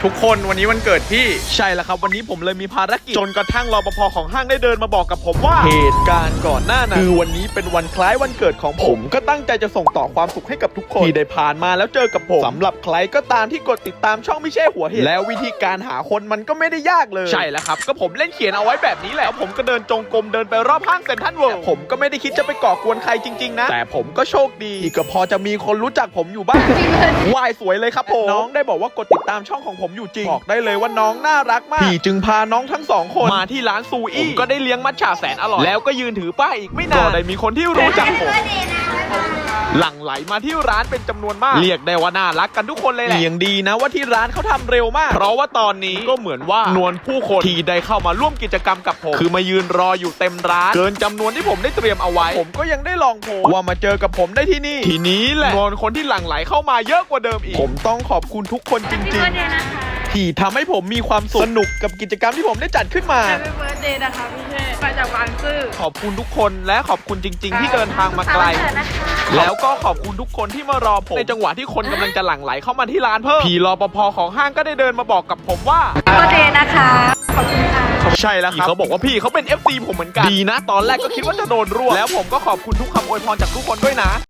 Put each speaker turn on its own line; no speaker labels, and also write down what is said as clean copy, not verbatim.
ทุกคนวันนี้วันเกิดพี่ใช่แล้วครับวันนี้ผมเลยมีภารกิจจนกระทั่งรปภของห้างได้เดินมาบอกกับผมว่าเหตุการณ์ก่อนหน้านั้นคือวันนี้เป็นวันคล้ายวันเกิดของผมก็ตั้งใจจะส่งต่อความสุขให้กับทุกคนที่ได้ผ่านมาแล้วเจอกับผมสำหรับใครก็ตามที่กดติดตามช่องไม่ใช่หัวเห็ดแล้ววิธีการหาคนมันก็ไม่ได้ยากเลยใช่แล้วครับก็ผมเล่นเขียนเอาไว้แบบนี้แหละแล้วผมก็เดินจงกรมเดินไปรอบห้างเซ็นทรัลเวิลด์ผมก็ไม่ได้คิดจะไปก่อกวนใครจริงๆนะแต่ผมก็โชคดีที่ก็พอจะมีคนรู้จักผมอยู่บ้างวายสวยเลยครับผมน้องได้บอกว่ากดติดตามช่องของผมอยู่จริงบอกได้เลยว่าน้องน่ารักมากพี่จึงพาน้องทั้งสองคนมาที่ร้านซูอี้ก็ได้เลี้ยงมัทฉะแสนอร่อยแล้วก็ยืนถือป้ายอีกไม่นานก็ได้มีคนที่รู้จักผมหลั่งไหลมาที่ร้านเป็นจำนวนมากเรียกได้ว่าน่ารักกันทุกคนเลยแหละยังดีนะว่าที่ร้านเขาทำเร็วมากเพราะว่าตอนนี้ก็เหมือนว่านวลผู้คนที่ได้เข้ามาร่วมกิจกรรมกับผมคือมายืนรออยู่เต็มร้านเกินจำนวนที่ผมได้เตรียมเอาไว้ผมก็ยังได้ลองโพสว่ามาเจอกับผมได้ที่นี่ทีนี้แหละนวลคนที่หลั่งไหลเข้ามาเยอะกว่าเดิมอีกผมต้องขอบคุณทุกคนจริงๆที่ทำให้ผมมีความสุขสนุกกับกิจกรรมที่ผมได้จัดขึ้นมา
Happy Birthday นะคะพี่เชษมาจากบางซื่อ
ขอบคุณทุกคนและขอบคุณจริง ๆ ที่เดินทางมาไกลแล้วก็ขอบคุณทุกคนที่มารอผมในจังหวะที่คนกำลังจะหลั่งไหลเข้ามาที่ร้านเพิ่มพี่รปภของห้างก็ได้เดินมาบอกกับผมว่า
Happy Birthday นะคะขอบคุณค่ะ
ใช่แล้วครับเขาบอกว่าพี่เขาเป็น FC ผมเหมือนกันดีนะตอนแรกก็คิดว่าจะโดนรวบแล้วผมก็ขอบคุณทุกคำอวยพรจากทุกคนด้วยนะ